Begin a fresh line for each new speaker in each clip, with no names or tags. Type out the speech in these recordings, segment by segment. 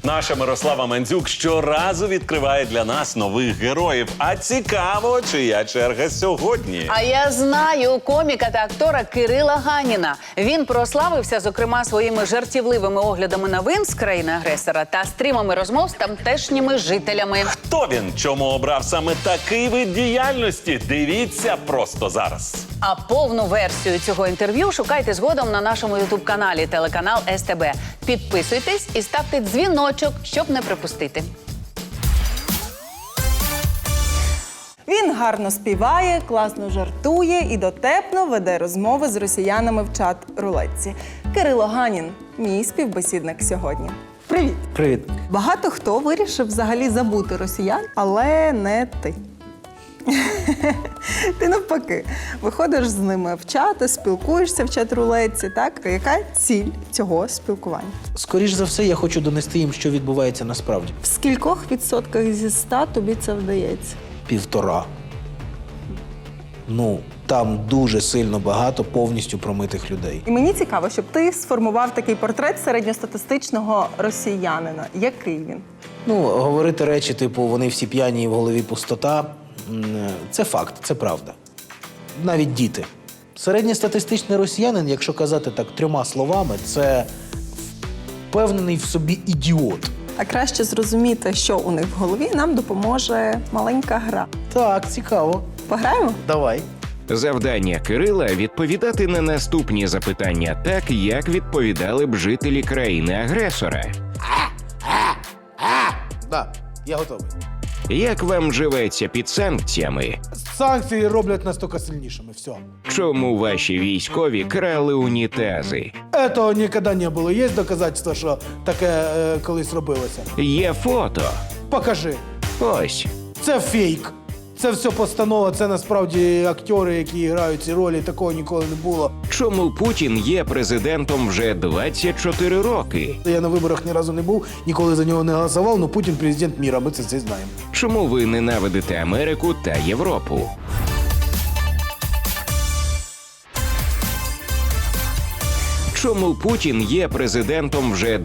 Наша Мирослава Мандзюк щоразу відкриває для нас нових героїв. А цікаво, чия черга сьогодні.
А я знаю коміка та актора Кирила Ганіна. Він прославився, зокрема, своїми жартівливими оглядами новин з країни-агресора та стрімами розмов з тамтешніми жителями.
Хто він? Чому обрав саме такий вид діяльності? Дивіться просто зараз.
А повну версію цього інтерв'ю шукайте згодом на нашому ютуб-каналі телеканал СТБ. Підписуйтесь і ставте дзвіночок, щоб не пропустити.
Він гарно співає, класно жартує і дотепно веде розмови з росіянами в чат-рулетці. Кирило Ганін – мій співбесідник сьогодні. Привіт!
Привіт.
Багато хто вирішив взагалі забути росіян, але не ти. Ти навпаки, виходиш з ними в чати, спілкуєшся в чат-рулетці, так? Яка ціль цього спілкування?
Скоріш за все, я хочу донести їм, що відбувається насправді.
В скількох відсотках зі 100 тобі це вдається?
1,5. Ну, там дуже сильно багато повністю промитих людей.
І мені цікаво, щоб ти сформував такий портрет середньостатистичного росіянина. Який він?
Ну, говорити речі, типу, вони всі п'яні і в голові пустота – це факт, це правда. Навіть діти. Середньостатистичний росіянин, якщо казати так 3 словами, це впевнений в собі ідіот.
А краще зрозуміти, що у них в голові, нам допоможе маленька гра.
Так, цікаво.
Пограємо?
Давай.
Завдання Кирила – відповідати на наступні запитання так, як відповідали б жителі країни-агресора.
Да, я готовий.
Як вам живеться під санкціями?
Санкції роблять нас тільки сильнішими, все.
Чому ваші військові крали унітази?
Этого ніколи не було. Є доказательства, що таке колись робилося?
Є фото.
Покажи.
Ось.
Це фейк. Це все постанова, це насправді актори, які грають ці ролі, такого ніколи не було.
Чому Путін є президентом вже 24 роки?
Я на виборах ні разу не був, ніколи за нього не голосував, але Путін президент міра, ми це всі знаємо.
Чому ви ненавидите Америку та Європу? Чому Путін є президентом вже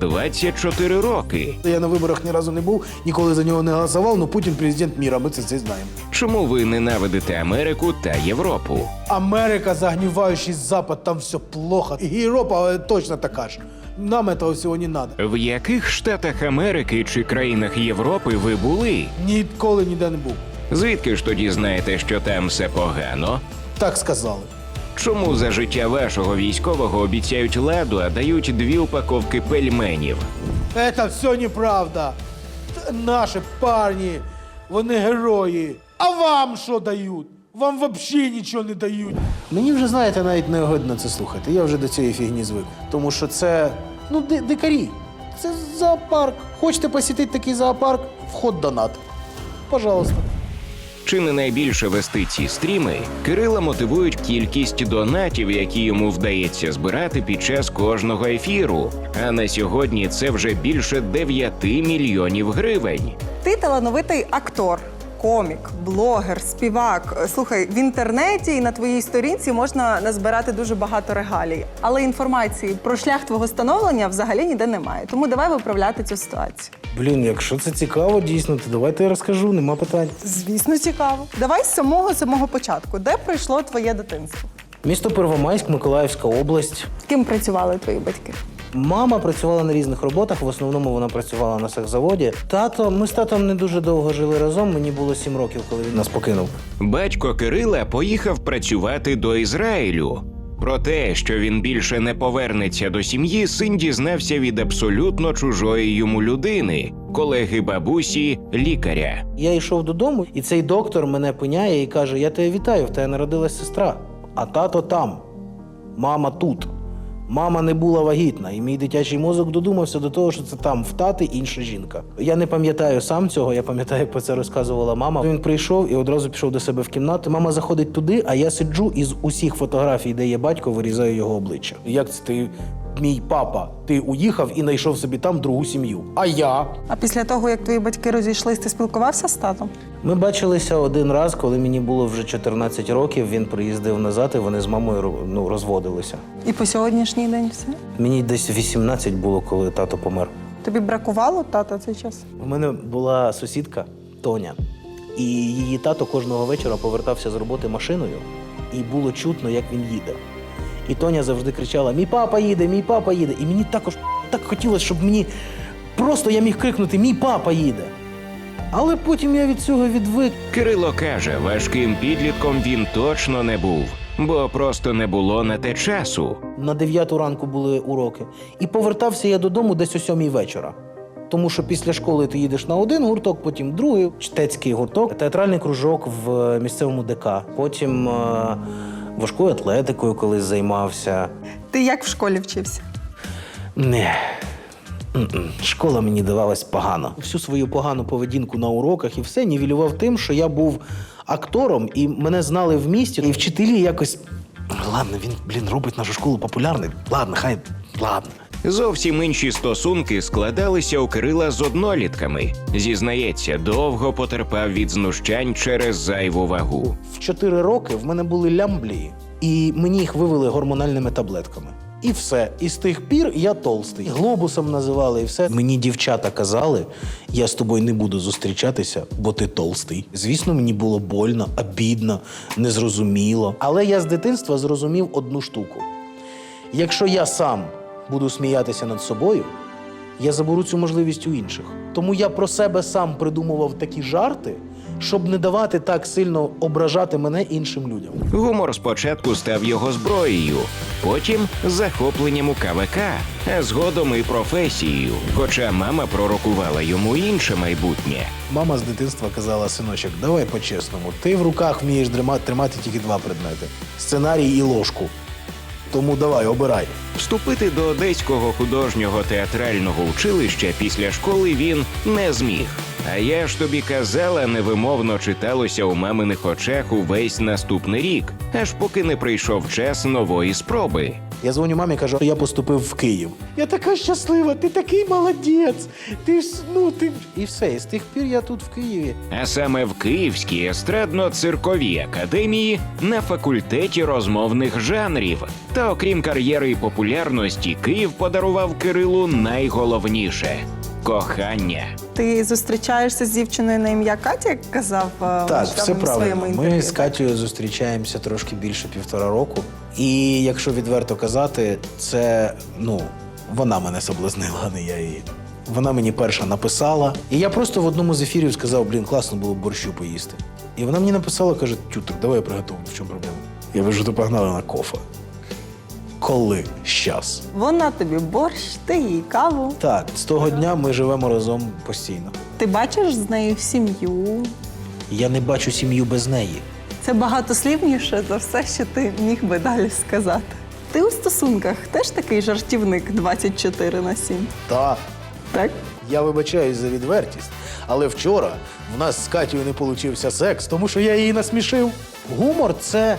24 роки?
Я на виборах ні разу не був, ніколи за нього не голосував, але Путін президент міра, ми це всі знаємо.
Чому ви ненавидите Америку та Європу?
Америка, загниваючий Запад, там все плохо. І Європа точно така ж. Нам этого всього не надо.
В яких штатах Америки чи країнах Європи ви були?
Ніколи ніде не був.
Звідки ж тоді знаєте, що там все погано?
Так сказали.
Чому за життя вашого військового обіцяють ладу, а дають 2 упаковки пельменів?
Это все неправда. Наші парні, вони герої. А вам що дають? Вам взагалі нічого не дають.
Мені вже, знаєте, навіть не огидно це слухати. Я вже до цієї фігні звик. Тому що це, ну, дикарі. Це зоопарк. Хочете посітити такий зоопарк? Вход донат. Пожалуйста.
Чи не найбільше вести ці стріми, Кирила мотивують кількість донатів, які йому вдається збирати під час кожного ефіру. А на сьогодні це вже більше 9 мільйонів гривень.
Ти талановитий актор, комік, блогер, співак. Слухай, в інтернеті і на твоїй сторінці можна назбирати дуже багато регалій. Але інформації про шлях твого становлення взагалі ніде немає. Тому давай виправляти цю ситуацію.
Блін, якщо це цікаво, дійсно, то давайте я розкажу, нема питань.
Звісно, цікаво. Давай з самого початку. Де пройшло твоє дитинство?
Місто Первомайськ, Миколаївська область.
Ким працювали твої батьки?
Мама працювала на різних роботах, в основному вона працювала на сахзаводі. Ми з татом не дуже довго жили разом, мені було 7 років, коли він нас покинув.
Батько Кирила поїхав працювати до Ізраїлю. Про те, що він більше не повернеться до сім'ї, син дізнався від абсолютно чужої йому людини – колеги бабусі, лікаря.
Я йшов додому, і цей доктор мене пиняє і каже: я тебе вітаю, в тебе народилась сестра, а тато там, мама тут. Мама не була вагітна, і мій дитячий мозок додумався до того, що це там в тати інша жінка. Я не пам'ятаю сам цього, я пам'ятаю, як про це розказувала мама. Він прийшов і одразу пішов до себе в кімнату. Мама заходить туди, а я сиджу і з усіх фотографій, де є батько, вирізаю його обличчя. Як це ти, мій папа, ти уїхав і знайшов собі там другу сім'ю? А я?
А після того, як твої батьки розійшлись, ти спілкувався з татом?
Ми бачилися один раз, коли мені було вже 14 років, він приїздив назад, і вони з мамою розводилися.
І по сьогоднішній день все?
Мені десь 18 було, коли тато помер.
Тобі бракувало тата цей час?
У мене була сусідка Тоня, і її тато кожного вечора повертався з роботи машиною, і було чутно, як він їде. І Тоня завжди кричала: «Мій папа їде, мій папа їде». І мені також так хотілося, щоб мені просто я міг крикнути: «Мій папа їде». Але потім я від цього відвик.
Кирило каже, важким підлітком він точно не був, бо просто не було на те часу.
На 9 ранку були уроки. І повертався я додому десь о 7 вечора. Тому що після школи ти їдеш на один гурток, потім другий, чтецький гурток, театральний кружок в місцевому ДК. Потім важкою атлетикою колись займався.
Ти як в школі вчився?
Не. Школа мені давалась погано. Всю свою погану поведінку на уроках і все нівелював тим, що я був актором, і мене знали в місті. І вчителі якось: ладно, він робить нашу школу популярною. Ладно, ладно.
Зовсім інші стосунки складалися у Кирила з однолітками. Зізнається, довго потерпав від знущань через зайву вагу.
В 4 роки в мене були лямблії, і мені їх вивели гормональними таблетками. І все. І з тих пір я толстий. Глобусом називали, і все. Мені дівчата казали: я з тобою не буду зустрічатися, бо ти толстий. Звісно, мені було больно, обідно, незрозуміло. Але я з дитинства зрозумів одну штуку. Якщо я сам буду сміятися над собою, я заберу цю можливість у інших. Тому я про себе сам придумував такі жарти, щоб не давати так сильно ображати мене іншим людям.
Гумор спочатку став його зброєю, потім захопленням у КВК, а згодом і професією, хоча мама пророкувала йому інше майбутнє.
Мама з дитинства казала: синочок, давай по-чесному, ти в руках вмієш тримати тільки 2 предмети – сценарій і ложку. Тому давай, обирай.
Вступити до Одеського художнього театрального училища після школи він не зміг. А я ж тобі казала, невимовно читалося у маминих очах увесь наступний рік, аж поки не прийшов час нової спроби.
Я дзвоню мамі, кажу, що я поступив в Київ. Я така щаслива, ти такий молодець. Ти... І все, і з тих пір я тут в Києві.
А саме в Київській естрадно-цирковій академії на факультеті розмовних жанрів. Та окрім кар'єри і популярності, Київ подарував Кирилу найголовніше – кохання.
Ти зустрічаєшся з дівчиною на ім'я Катя, як казав
Так, все
в своєму
правильно.
інтерв'ю?
Ми з Катєю зустрічаємося трошки більше 1,5 року. І якщо відверто казати, це, вона мене соблазнила, а не я її. Вона мені перша написала. І я просто в одному з ефірів сказав: класно було б борщу поїсти. І вона мені написала, каже: Тютик, давай я приготую, в чому проблема? Я кажу: то погнали на кофе. Коли? Щас.
Вона тобі борщ, ти їй каву.
Так, з того дня ми живемо разом постійно.
Ти бачиш з нею сім'ю.
Я не бачу сім'ю без неї.
Це багатослівніше за все, що ти міг би далі сказати. Ти у стосунках теж такий жартівник 24/7?
Так.
Так?
Я вибачаюсь за відвертість, але вчора в нас з Катєю не получився секс, тому що я її насмішив. Гумор – це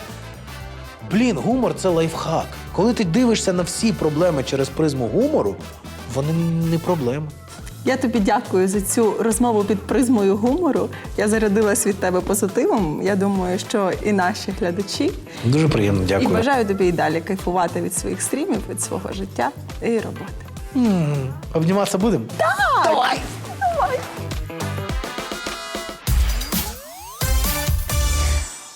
лайфхак. Коли ти дивишся на всі проблеми через призму гумору, вони не проблеми.
Я тобі дякую за цю розмову під призмою гумору. Я зарядилась від тебе позитивом. Я думаю, що і наші глядачі.
Дуже приємно,
І
дякую.
бажаю тобі і далі кайфувати від своїх стрімів, від свого життя і роботи.
Обніматися будемо?
Так! Давай!